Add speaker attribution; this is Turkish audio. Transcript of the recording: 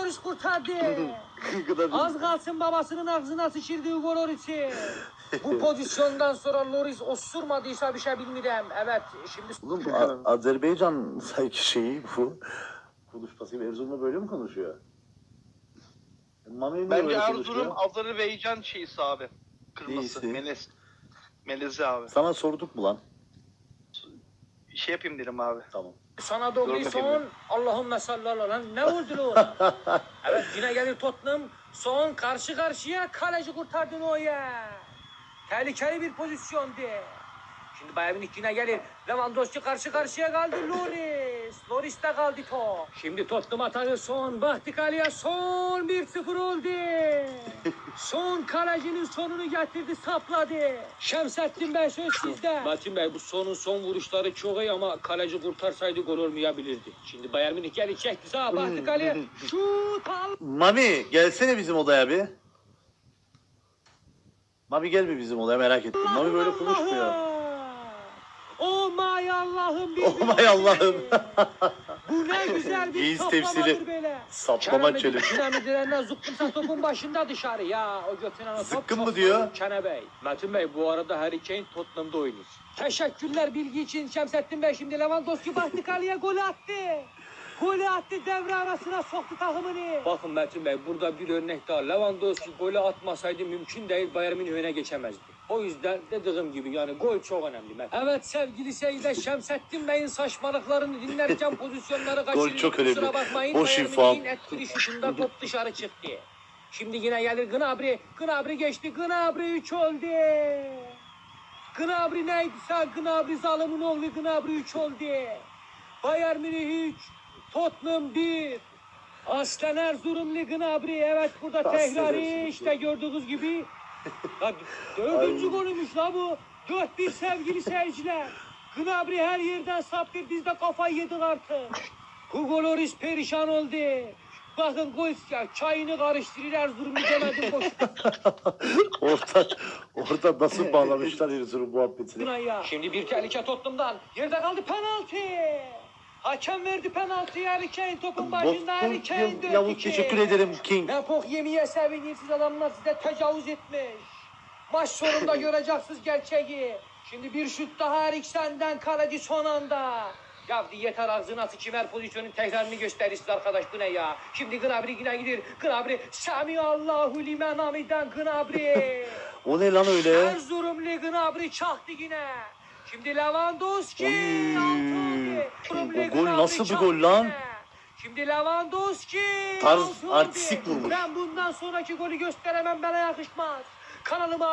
Speaker 1: Lloris kurtardı. Az kalsın babasının ağzına sıçırdı Hugo Lloris'i. Bu pozisyondan sonra Lloris osurmadıysa bir şey bilmiyorum. Evet şimdi...
Speaker 2: Oğlum Azerbaycan sanki şeyi bu. Konuşması Erzurum'la böyle mi konuşuyor?
Speaker 3: Bence Erzurum Azerbaycan şeysi abi. Kırması.
Speaker 2: Neyse.
Speaker 3: Melezi abi.
Speaker 2: Sana sorduk mu lan?
Speaker 3: Şey yapayım dedim abi.
Speaker 2: Tamam.
Speaker 1: Sana doğru son. Allahümme sallallahu lan. Ne oldu lan? Evet yine gelir Tottenham. Son karşı karşıya kaleci kurtardın o ya. Tehlikeli bir pozisyondu. Şimdi Bayern Münih yine gelir. Lewandowski karşı karşıya kaldı Lloris. Lloris de kaldı top. Şimdi Tottenham atağı son. Baktık Ali'ye son 1-0 oldu. Son kalecinin sonunu getirdi sapladı. Şemsettin Bey söz sizde. Metin Bey bu son vuruşları çok iyi ama kaleci kurtarsaydı gol olmayabilirdi. Şimdi Bayern Münih gelip çekti sağa baktık Ali'ye. Şut al.
Speaker 2: Mami gelsene bizim odaya bir. Mami gel bir bizim odaya merak ettim. Mami böyle konuşmuyor.
Speaker 1: Oh my Allah'ım.
Speaker 2: Oh my Allah'ım.
Speaker 1: Bu ne güzel bir
Speaker 2: İyiyiz
Speaker 1: toplamadır
Speaker 2: tefsiri.
Speaker 1: böyle.
Speaker 2: Saplama çölü.
Speaker 1: Kerem'i direnden zıkkımsa topun başında dışarı ya. O götüren o top.
Speaker 2: Zıkkım mı diyor?
Speaker 1: Kene Bey. Metin Bey bu arada Harry Kane Tottenham'da oynuyor. Teşekkürler bilgi için Şemsettin Bey. Şimdi Lewandowski baktı kaleye gol attı. Golü attı devre arasına soktu takımını. Bakın Metin Bey burada bir örnek daha. Lewandowski golü atmasaydı mümkün değil Bayern Münih öne geçemezdi. O yüzden dediğim gibi yani gol çok önemli. Evet sevgili seyirciler Şemsettin Bey'in saçmalıklarını dinlerken pozisyonları kaçırıyor.
Speaker 2: Gol çok önemli.
Speaker 1: Kusura bakmayın.
Speaker 2: Boş
Speaker 1: Bayern
Speaker 2: infam.
Speaker 1: Münih'in etkili şutunda top dışarı çıktı. Şimdi yine gelir Gnabry. Gnabry geçti. Gnabry 3 oldu. Gnabry neydi sen? Gnabry zalimin oğlu Gnabry 3 oldu. Bayern Münih 3. Tottenham 1. Aslen Erzurumlu Gnabry. Evet burada tekrarı işte gördüğünüz gibi. Ya, 4. golümüş la bu. 4-1 sevgili seyirciler. Gnabry her yerden saptır. Biz de kafayı yedik artık. Hugo Lloris perişan oldu. Bakın gol çayını karıştırır Erzurumlu demedim boş.
Speaker 2: Orada nasıl bağlamışlar Erzurum muhabbetini.
Speaker 1: Şimdi bir tehlike Tottenham'dan. Yerde kaldı penaltı. Hakem verdi penaltıyı Harry Kane topun başında Harry Kane döndü.
Speaker 2: Yavuz teşekkür ederim King.
Speaker 1: Ne pok yemeye sevinirsiz adamlar size tecavüz etmiş. Maç sonunda göreceksiniz gerçeği. Şimdi bir şut daha Eriksen'den kaleci son anda. Ya yeter ağzına sıçayım her pozisyonun tekrarını gösterirsiz arkadaş bu ne ya. Şimdi Gnabry yine gider. Gnabry Semihallahu limen hamiden Gnabry.
Speaker 2: O ne lan öyle?
Speaker 1: Erzurumlu Gnabry çaktı yine. Şimdi Lewandowski.
Speaker 2: O gol nasıl bir gol lan?
Speaker 1: Şimdi Lewandowski.
Speaker 2: Tarz artistik vurmuş.
Speaker 1: Ben bundan sonraki golü gösteremem bana yakışmaz. Kanalıma